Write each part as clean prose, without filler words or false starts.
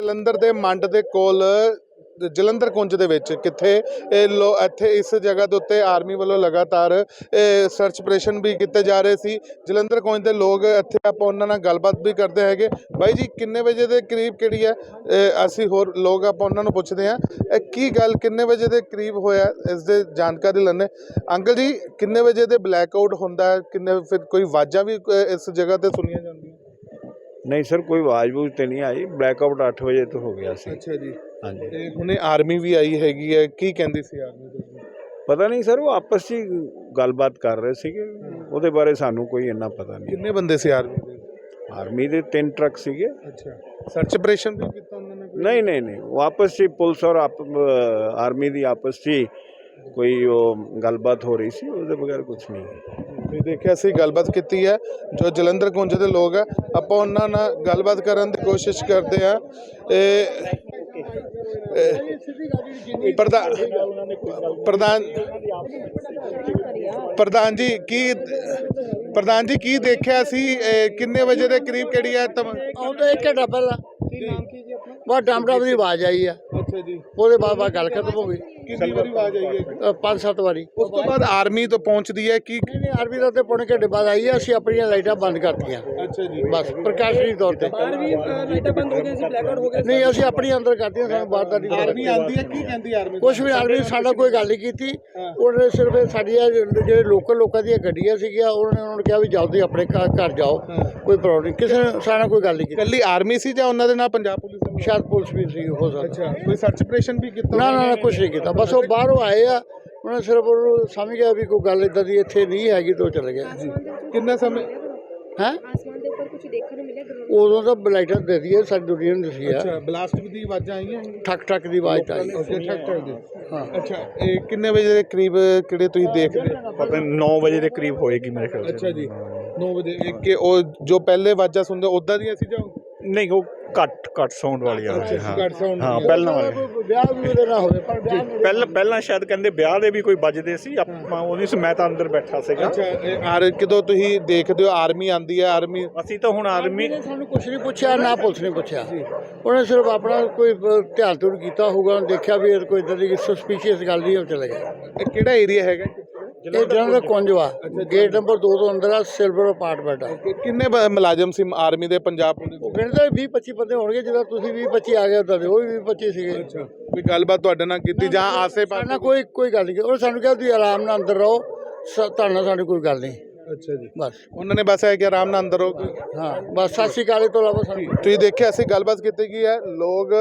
ਜਲੰਧਰ ਦੇ ਮੰਡ ਦੇ ਕੋਲ ਜਲੰਧਰ ਕੁੰਜ ਦੇ ਵਿੱਚ ਕਿੱਥੇ ਇੱਥੇ ਇਸ ਜਗ੍ਹਾ ਦੇ ਉੱਤੇ ਆਰਮੀ ਵੱਲੋਂ ਲਗਾਤਾਰ ਸਰਚ ਆਪਰੇਸ਼ਨ ਵੀ ਕੀਤੇ ਜਾ ਰਹੇ ਸੀ। ਜਲੰਧਰ ਕੁੰਜ ਦੇ ਲੋਕ ਇੱਥੇ ਆਪਾਂ ਉਹਨਾਂ ਨਾਲ ਗੱਲਬਾਤ ਵੀ ਕਰਦੇ ਹੈਗੇ। ਬਾਈ ਜੀ ਕਿੰਨੇ ਵਜੇ ਦੇ ਕਰੀਬ ਕਿਹੜੀ ਹੈ ਅਸੀਂ ਹੋਰ ਲੋਕ ਆਪਾਂ ਉਹਨਾਂ ਨੂੰ ਪੁੱਛਦੇ ਹਾਂ ਕੀ ਗੱਲ ਕਿੰਨੇ ਵਜੇ ਦੇ ਕਰੀਬ ਹੋਇਆ ਇਸ ਦੇ ਜਾਣਕਾਰੀ ਲੈਣੇ। ਅੰਕਲ ਜੀ ਕਿੰਨੇ ਵਜੇ ਦੇ ਬਲੈਕ ਆਊਟ ਹੁੰਦਾ ਕਿੰਨੇ ਫਿਰ ਕੋਈ ਆਵਾਜ਼ਾਂ ਵੀ ਇਸ ਜਗ੍ਹਾ ਤੇ ਸੁਣੀਆਂ ਜਾਂਦੀਆਂ? नहीं सर कोई आवाज़ बूझ तो नहीं आई। ब्लैकआउट 8 बजे तो हो गया सी। अच्छा जी। हाँ जी। ਤੇ ਹੁਣੇ ਆਰਮੀ ਵੀ ਆਈ ਹੈਗੀ ਹੈ ਕੀ ਕਹਿੰਦੀ ਸੀ ਆਰਮੀ? पता नहीं सर वो आपस में गलबात कर रहे थे ਉਹਦੇ ਬਾਰੇ ਸਾਨੂੰ ਕੋਈ ਇੰਨਾ ਪਤਾ ਨਹੀਂ। ਕਿੰਨੇ ਬੰਦੇ ਸੀ ਆਰਮੀ ਦੇ? ਆਰਮੀ ਦੇ 3 ਟਰੱਕ ਸੀਗੇ। ਅੱਛਾ ਸਰਚ ਆਪਰੇਸ਼ਨ ਵੀ ਕੀਤਾ ਉਹਨਾਂ ਨੇ? नहीं वो आपस में पुलिस और आर्मी ਦੀ आपस में कोई वो गलबात हो रही सी ਉਹਦੇ ਬਗੈਰ ਕੁਝ ਨਹੀਂ। ਤੁਸੀਂ ਦੇਖਿਆ ਸੀ ਗੱਲਬਾਤ ਕੀਤੀ ਹੈ ਜੋ ਜਲੰਧਰ ਕੁੰਜ ਦੇ ਲੋਕ ਆ ਆਪਾਂ ਉਹਨਾਂ ਨਾਲ ਗੱਲਬਾਤ ਕਰਨ ਦੀ ਕੋਸ਼ਿਸ਼ ਕਰਦੇ ਆ। ਪ੍ਰਧਾਨ ਜੀ ਕੀ ਦੇਖਿਆ ਸੀ ਕਿੰਨੇ ਵਜੇ ਦੇ ਕਰੀਬ ਕਿਹੜੀ ਹੈ ਆਉਂਦਾ 1 ਘੰਟਾ ਪਹਿਲਾਂ ਬਸ ਡਮ ਦੀ ਆਵਾਜ਼ ਆਈ ਆ। ਅੱਛਾ ਜੀ। ਉਹਦੇ ਬਾਅਦ ਗੱਲ ਖਤਮ ਹੋ ਗਈ। ਕਿੰਨੀ ਵਾਰੀ ਆਵਾਜ਼ ਆਈ ਹੈ? 5-7 ਵਾਰੀ। ਉਸ ਤੋਂ ਬਾਅਦ ਆਰਮੀ ਤੋਂ ਪਹੁੰਚਦੀ ਹੈ ਕੀ? ਨਹੀਂ ਆਰਮੀ ਦਾ ਤੇ ਪੌਣੇ ਘੰਟੇ ਬਾਅਦ ਆਈ ਆ। ਅਸੀਂ ਆਪਣੀਆਂ ਲਾਈਟਾਂ ਬੰਦ ਕਰਤੀਆਂ। ਅੱਛਾ ਜੀ। ਬਸ ਪ੍ਰਕਾਸ਼ਨੀ ਤੌਰ ਤੇ ਲਾਈਟਾਂ ਬੰਦ ਹੋ ਗਈਆਂ ਸੀ, ਬਲੈਕਆਊਟ ਹੋ ਗਿਆ। ਨਹੀਂ ਅਸੀਂ ਆਪਣੀ ਅੰਦਰ ਕਰਤੀਆਂ ਸਾਨੂੰ ਬਾਹਰ ਦਾ ਨਹੀਂ। ਆਰਮੀ ਆਂਦੀ ਹੈ ਕੀ ਕਹਿੰਦੀ ਆਰਮੀ? ਕੁਛ ਵੀ ਆਰਮੀ ਸਾਡਾ ਕੋਈ ਗੱਲ ਨਹੀਂ ਕੀਤੀ। ਉਹਨੇ ਸਿਰਫ ਸਾਡੀਆਂ ਜਿਹੜੇ ਲੋਕਾਂ ਦੀਆਂ ਗੱਡੀਆਂ ਸੀਗੀਆਂ ਉਹਨਾਂ ਨੇ ਕਿਹਾ ਵੀ ਜਲਦੀ ਆਪਣੇ ਘਰ ਜਾਓ ਕੋਈ ਪ੍ਰੋਬਲਮ ਨਹੀਂ। ਕਿਸੇ ਨੇ ਸਾਡੇ ਨਾਲ ਕੋਈ ਗੱਲ ਨਹੀਂ ਕੀਤੀ। ਇਕੱਲੀ ਆਰਮੀ ਸੀ ਜਾਂ ਉਹਨਾਂ ਦੇ ਨਾਲ ਪੰਜਾਬ ਪੁਲਿਸ? ਸ਼ਾਇਦ ਪੁਲਿਸ ਵੀ ਸੀ ਹੋ ਸਕਦਾ। ਅੱਛਾ ਕੋਈ ਸਰਚ ਆਪਰੇਸ਼ਨ ਵੀ ਕੀਤਾ? ਨਾ ਕੁਛ ਨਹੀਂ ਕੀਤਾ। ਬਸ ਉਹ ਬਾਹਰੋਂ ਆਏ ਆ ਉਹਨੇ ਸਿਰਫ ਉਹਨੂੰ ਸਮਝ ਗਿਆ ਵੀ ਕੋਈ ਗੱਲ ਇਦਾਂ ਦੀ ਇੱਥੇ ਨਹੀਂ ਹੈਗੀ ਤਾਂ ਉਹ ਚਲੇ ਗਿਆ। ਕਿੰਨਾ ਸਮੇਂ ਹੈ ਆਸਮਾਨ ਦੇ ਉੱਪਰ ਕੁਝ ਦੇਖਣ ਨੂੰ ਮਿਲਿਆ? ਉਦੋਂ ਤਾਂ ਲਾਈਟਾਂ ਦੇ ਦਈਏ ਸਾਡੀ ਦੁਨੀਆ ਨੂੰ ਦੱਸੀ ਆ। ਅੱਛਾ ਬਲਾਸਟ ਦੀ ਆਵਾਜ਼ਾਂ ਆਈਆਂ? ਠੱਕ ਦੀ ਆਵਾਜ਼ ਤਾਂ ਆਈ। ਹਾਂ ਅੱਛਾ ਇਹ ਕਿੰਨੇ ਵਜੇ ਦੇ ਕਰੀਬ ਕਿਹੜੇ ਤੁਸੀਂ ਦੇਖਦੇ? ਪਤਾ 9 ਵਜੇ ਦੇ ਕਰੀਬ ਹੋਏਗੀ ਮੇਰੇ ਖਿਆਲ। ਅੱਛਾ ਜੀ 9 ਵਜੇ ਕਿ ਉਹ ਜੋ ਪਹਿਲੇ ਆਵਾਜ਼ਾਂ ਸੁਣਦੇ ਉਦਾਂ ਦੀਆਂ ਸੀ ਜਾਂ? ਨਹੀਂ ਉਹ ਘੱਟ ਸਾਊਂਡ ਵਾਲੀਆਂ। ਘੱਟ ਸਾਊਂਡ? ਹਾਂ ਪਹਿਲਾਂ ਵਾਲੇ ਵਿਆਹ ਵੀ ਉਹਦੇ ਨਾਲ ਹੋਵੇ ਪਰ ਪਹਿਲਾਂ ਸ਼ਾਇਦ ਕਹਿੰਦੇ ਵਿਆਹ ਦੇ ਵੀ ਕੋਈ ਵੱਜਦੇ ਸੀ। ਆਪਾਂ ਉਹਦੀ ਮੈਂ ਤਾਂ ਅੰਦਰ ਬੈਠਾ ਸੀਗਾ। ਅੱਛਾ ਕਿਦੋਂ ਤੁਸੀਂ ਦੇਖਦੇ ਹੋ ਆਰਮੀ ਆਂਦੀ ਹੈ? ਆਰਮੀ ਅਸੀਂ ਤਾਂ ਹੁਣ ਆਰਮੀ ਨੇ ਸਾਨੂੰ ਕੁਛ ਨਹੀਂ ਪੁੱਛਿਆ ਨਾ ਪੁਲਿਸ ਨੇ ਪੁੱਛਿਆ। ਉਹਨੇ ਸਿਰਫ ਆਪਣਾ ਕੋਈ ਧਿਆਨ ਧੁਰ ਕੀਤਾ ਹੋਊਗਾ ਦੇਖਿਆ ਵੀ ਕੋਈ ਇਦਾਂ ਦੀ ਸਸਪੀਸ਼ੀਅਸ ਗੱਲ ਨਹੀਂ ਉਹ ਚਲੇ ਗਏ। ਇਹ ਕਿਹੜਾ ਏਰੀਆ ਹੈਗਾ? ਇਹ ਜਲੰਧਰ ਕੁੰਜਵਾ ਗੇਟ ਨੰਬਰ 2 ਤੋਂ ਅੰਦਰ ਆ ਸਿਲਵਰ ਅਪਾਰਟਮੈਂਟ ਆ। ਕਿੰਨੇ ਮੁਲਾਜ਼ਮ ਸੀ ਆਰਮੀ ਦੇ ਪੰਜਾਬ ਪੁਲਿਸ? ਉਹ ਕਹਿੰਦੇ 20-25 ਬੰਦੇ ਹੋਣਗੇ ਜਿੱਦਾਂ ਤੁਸੀਂ 20-25 ਆ ਗਏ ਉਦਾਂ ਦੇ ਉਹ ਵੀ 20-25 ਸੀਗੇ। ਅੱਛਾ ਕੋਈ ਗੱਲਬਾਤ ਤੁਹਾਡੇ ਨਾਲ ਕੀਤੀ ਜਾਂ ਆਸੇ ਪਾਸੇ? ਕੋਈ ਗੱਲ ਨਹੀਂ। ਉਹ ਸਾਨੂੰ ਕਿਹਾ ਤੁਸੀਂ ਆਰਾਮ ਨਾਲ ਅੰਦਰ ਰਹੋ ਤੁਹਾਡੇ ਨਾਲ ਸਾਡੀ ਕੋਈ ਗੱਲ ਨਹੀਂ। ਅੱਛਾ ਜੀ ਬਸ ਉਹਨਾਂ ਨੇ ਬਸ ਇਹ ਕਿ ਆਰਾਮ ਨਾਲ ਅੰਦਰ ਰਹੋ। ਹਾਂ ਬਸ ਸਤਿ ਸ਼੍ਰੀ ਅਕਾਲ ਤੋਂ ਇਲਾਵਾ ਸਾਨੂੰ ਤੁਸੀਂ ਦੇਖਿਆ ਅਸੀਂ ਗੱਲਬਾਤ ਕੀਤੀ ਗਈ ਹੈ। ਲੋਕ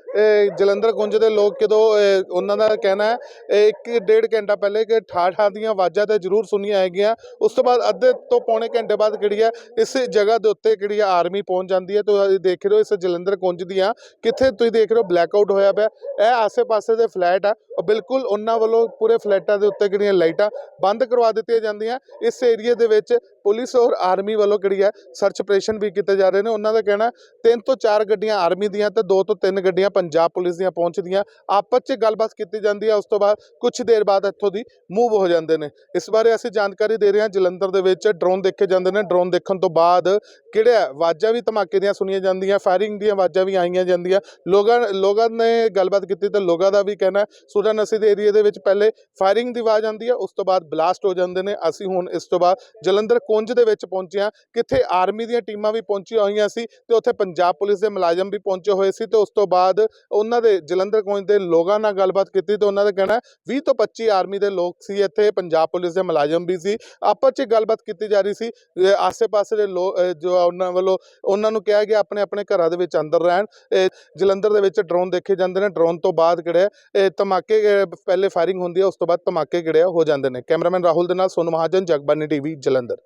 ਜਲੰਧਰ ਕੁੰਜ ਦੇ ਲੋਕ ਜਦੋਂ ਉਹਨਾਂ ਦਾ ਕਹਿਣਾ ਹੈ 1-1.5 ਘੰਟਾ ਪਹਿਲੇ ਕਿ ਠਾਠਾਂ ਦੀਆਂ ਆਵਾਜ਼ਾਂ ਤਾਂ ਜ਼ਰੂਰ ਸੁਣੀਆਂ ਹੈਗੀਆਂ। ਉਸ ਤੋਂ ਬਾਅਦ ਅੱਧੇ ਤੋਂ ਪੌਣੇ ਘੰਟੇ ਬਾਅਦ ਕਿਹੜੀ ਹੈ ਇਸ ਜਗ੍ਹਾ ਦੇ ਉੱਤੇ ਕਿਹੜੀ ਹੈ ਆਰਮੀ ਪਹੁੰਚ ਜਾਂਦੀ ਹੈ। ਤੁਸੀਂ ਦੇਖ ਰਹੇ ਹੋ ਇਸ ਜਲੰਧਰ ਕੁੰਜ ਦੀਆਂ ਕਿੱਥੇ ਤੁਸੀਂ ਦੇਖ ਰਹੇ ਹੋ ਬਲੈਕਆਊਟ ਹੋਇਆ ਪਿਆ। ਇਹ ਆਸੇ ਪਾਸੇ ਦੇ ਫਲੈਟ ਆ ਉਹ ਬਿਲਕੁਲ ਉਹਨਾਂ ਵੱਲੋਂ ਪੂਰੇ ਫਲੈਟਾਂ ਦੇ ਉੱਤੇ ਕਿਹੜੀਆਂ ਲਾਈਟਾਂ ਬੰਦ ਕਰਵਾ ਦਿੱਤੀਆਂ ਜਾਂਦੀਆਂ। ਇਸ ਏਰੀਏ ਦੇ ਵਿੱਚ ਪੁਲਿਸ ਔਰ ਆਰਮੀ ਵੱਲੋਂ ਕਿਹੜੀ ਹੈ ਸਰਚ ਆਪਰੇਸ਼ਨ ਵੀ ਕੀਤੇ ਜਾ ਰਹੇ ਨੇ। ਉਹਨਾਂ ਦਾ ਕਹਿਣਾ 3 ਤੋਂ 4 ਗੱਡੀਆਂ ਆਰਮੀ ਦੀਆਂ ਤੇ 2 ਤੋਂ 3 ਗੱਡੀਆਂ ਪੰਜਾਬ ਪੁਲਿਸ ਦੀਆਂ ਪਹੁੰਚਦੀਆਂ ਆਪਸ 'ਚ ਗੱਲਬਾਤ ਕੀਤੀ ਜਾਂਦੀ ਹੈ। ਉਸ ਤੋਂ ਬਾਅਦ ਕੁਝ ਦੇਰ ਬਾਅਦ ਇੱਥੋਂ ਦੀ ਮੂਵ ਹੋ ਜਾਂਦੇ ਨੇ। ਇਸ ਬਾਰੇ ਅਸੀਂ ਜਾਣਕਾਰੀ ਦੇ ਰਹੇ ਹਾਂ। ਜਲੰਧਰ ਦੇ ਵਿੱਚ ਡਰੋਨ ਦੇਖੇ ਜਾਂਦੇ ਨੇ। ਡਰੋਨ ਦੇਖਣ ਤੋਂ ਬਾਅਦ ਕਿਹੜਾ ਆਵਾਜ਼ਾਂ ਵੀ ਧਮਾਕੇ ਦੀਆਂ ਸੁਣੀਆਂ ਜਾਂਦੀਆਂ ਫਾਇਰਿੰਗ ਦੀਆਂ ਆਵਾਜ਼ਾਂ ਵੀ ਆਈਆਂ ਜਾਂਦੀਆਂ। ਲੋਕਾਂ ਨੇ ਗੱਲਬਾਤ ਕੀਤੀ ਤਾਂ ਲੋਕਾਂ ਦਾ ਵੀ ਕਹਿਣਾ ਸੂਰਾ ਨਸੀ ਦੇ ਏਰੀਏ ਦੇ ਵਿੱਚ ਪਹਿਲੇ ਫਾਇਰਿੰਗ ਦੀ ਆਵਾਜ਼ ਆਉਂਦੀ ਹੈ ਉਸ ਤੋਂ ਬਾਅਦ ਬਲਾਸਟ ਹੋ ਜਾਂਦੇ ਨੇ। ਅਸੀਂ ਹੁਣ ਇਸ ਤੋਂ ਬਾਅਦ ਜਲੰਧਰ ਕੁੰਜ ਦੇ ਵਿੱਚ ਪਹੁੰਚੇ ਹਾਂ ਕਿੱਥੇ ਆਰਮੀ ਦੀਆਂ ਟੀਮਾਂ ਵੀ ਪਹੁੰਚੀਆਂ ਹੋਈਆਂ ਸੀ ਤੇ ਉੱਥੇ ਪੰਜਾਬ ਪੁਲਿਸ ਦੇ ਮੁਲਾਜ਼ਮ ਵੀ ਪਹੁੰਚੇ ਹੋਏ ਸੀ ਤੇ ਉਸ ਤੋਂ ਬਾਅਦ ਉਹਨਾਂ ਦੇ ਜਲੰਧਰ ਕੁੰਜ ਦੇ ਲੋਕਾਂ ਨਾਲ ਗੱਲਬਾਤ ਕੀਤੀ ਤੇ ਉਹਨਾਂ ਦਾ ਕਹਿਣਾ 20 ਤੋਂ 25 ਆਰਮੀ ਦੇ ਲੋਕ ਸੀ ਇੱਥੇ ਪੰਜਾਬ ਪੁਲਿਸ ਦੇ ਮੁਲਾਜ਼ਮ ਵੀ ਸੀ। ਆਪਸ 'ਚ ਗੱਲਬਾਤ ਕੀਤੀ ਜਾ ਰਹੀ ਸੀ। ਆਸੇ ਪਾਸੇ ਦੇ ਲੋਕ ਜੋ ਉਹਨਾਂ ਵੱਲੋਂ ਉਹਨਾਂ ਨੂੰ ਕਿਹਾ ਗਿਆ ਆਪਣੇ ਆਪਣੇ ਘਰਾਂ ਦੇ ਵਿੱਚ ਅੰਦਰ ਰਹਿਣ। ਜਲੰਧਰ ਦੇ ਵਿੱਚ ਡਰੋਨ ਦੇਖੇ ਜਾਂਦੇ ਨੇ। ਡਰੋਨ ਤੋਂ ਬਾਅਦ ਕਿਹੜੇ ਧਮਾਕੇ ਪਹਿਲੇ ਫਾਇਰਿੰਗ ਹੁੰਦੀ ਹੈ ਉਸ ਤੋਂ ਬਾਅਦ ਧਮਾਕੇ ਕਿਹੜੇ ਹੋ ਜਾਂਦੇ ਨੇ। ਕੈਮਰਾਮੈਨ ਰਾਹੁਲ ਦੇ ਨਾਲ ਸੋਨੂ ਮਹਾਜਨ ਜਗਬਾਨੀ ਟੀਵੀ ਜਲੰਧਰ।